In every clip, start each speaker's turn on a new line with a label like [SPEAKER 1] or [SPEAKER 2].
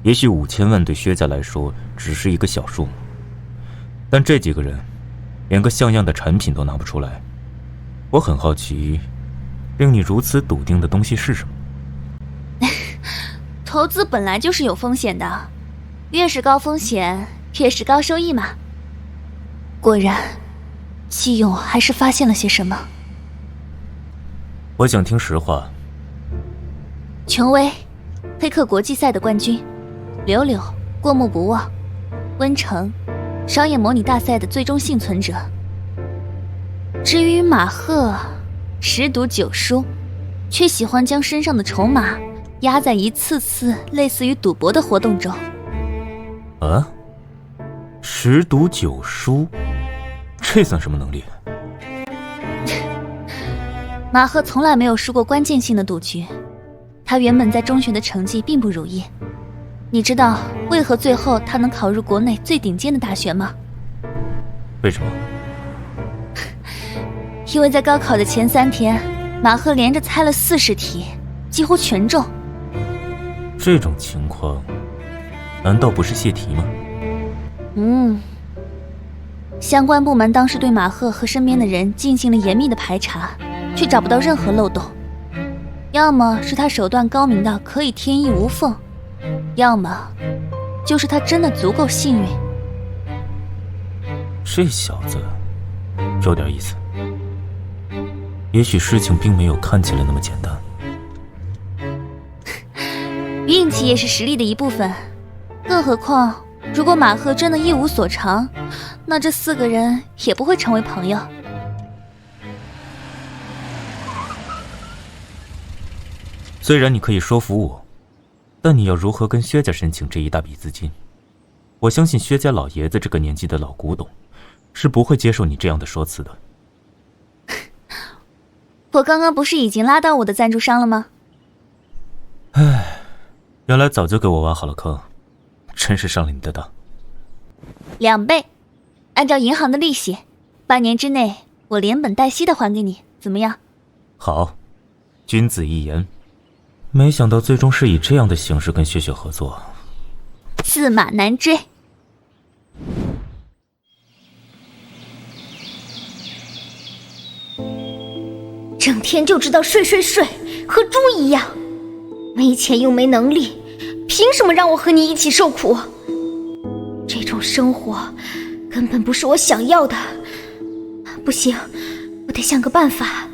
[SPEAKER 1] 也许5000万对薛家来说只是一个小数目，但这几个人连个像样的产品都拿不出来。我很好奇，令你如此笃定的东西是什么？
[SPEAKER 2] 投资本来就是有风险的，越是高风险，越是高收益嘛。果然，季勇还是发现了些什么。
[SPEAKER 1] 我想听实话。
[SPEAKER 2] 琼薇，黑客国际赛的冠军，柳柳，过目不忘，温城，商业模拟大赛的最终幸存者。至于马赫，10赌9输，却喜欢将身上的筹码压在一次次类似于赌博的活动中。
[SPEAKER 1] 啊？10赌9输，这算什么能力？
[SPEAKER 2] 马赫从来没有输过关键性的赌局。他原本在中学的成绩并不如意，你知道为何最后他能考入国内最顶尖的大学吗？
[SPEAKER 1] 为什么？
[SPEAKER 2] 因为在高考的前3天，马赫连着猜了40题，几乎全中。
[SPEAKER 1] 这种情况，难道不是泄题吗？
[SPEAKER 2] 相关部门当时对马赫和身边的人进行了严密的排查，却找不到任何漏洞。要么是他手段高明到可以天衣无缝，要么就是他真的足够幸运。
[SPEAKER 1] 这小子有点意思，也许事情并没有看起来那么简单。
[SPEAKER 2] 运气也是实力的一部分，更何况如果马赫真的一无所长，那这4个人也不会成为朋友。
[SPEAKER 1] 虽然你可以说服我，但你要如何跟薛家申请这一大笔资金？我相信薛家老爷子这个年纪的老古董，是不会接受你这样的说辞的。
[SPEAKER 2] 我刚刚不是已经拉到我的赞助商了吗？
[SPEAKER 1] 唉，原来早就给我挖好了坑，真是上了你的当。
[SPEAKER 2] 2倍，按照银行的利息，8年之内我连本带息的还给你，怎么样？
[SPEAKER 1] 好，君子一言。没想到最终是以这样的形式跟薛雪合作，
[SPEAKER 2] 驷马难追。
[SPEAKER 3] 整天就知道睡，和猪一样，没钱又没能力，凭什么让我和你一起受苦？这种生活根本不是我想要的。不行，我得想个办法。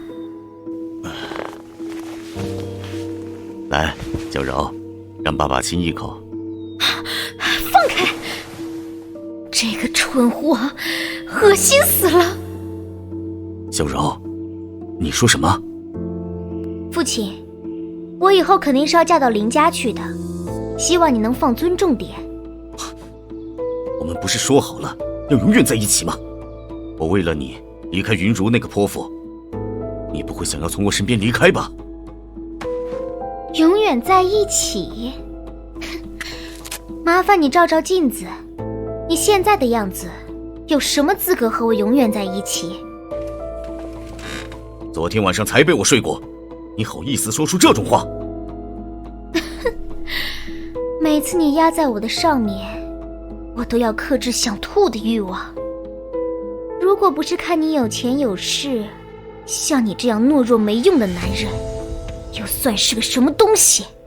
[SPEAKER 4] 来，小柔，让爸爸亲一口。
[SPEAKER 3] 放开！这个蠢货，恶心死了！
[SPEAKER 4] 小柔，你说什么？
[SPEAKER 3] 父亲，我以后肯定是要嫁到林家去的，希望你能放尊重点。
[SPEAKER 4] 我们不是说好了要永远在一起吗？我为了你离开云如那个泼妇，你不会想要从我身边离开吧？
[SPEAKER 3] 永远在一起？麻烦你照照镜子，你现在的样子，有什么资格和我永远在一起？
[SPEAKER 4] 昨天晚上才被我睡过，你好意思说出这种话？
[SPEAKER 3] 每次你压在我的上面，我都要克制想吐的欲望。如果不是看你有钱有势，像你这样懦弱没用的男人，又算是个什么东西？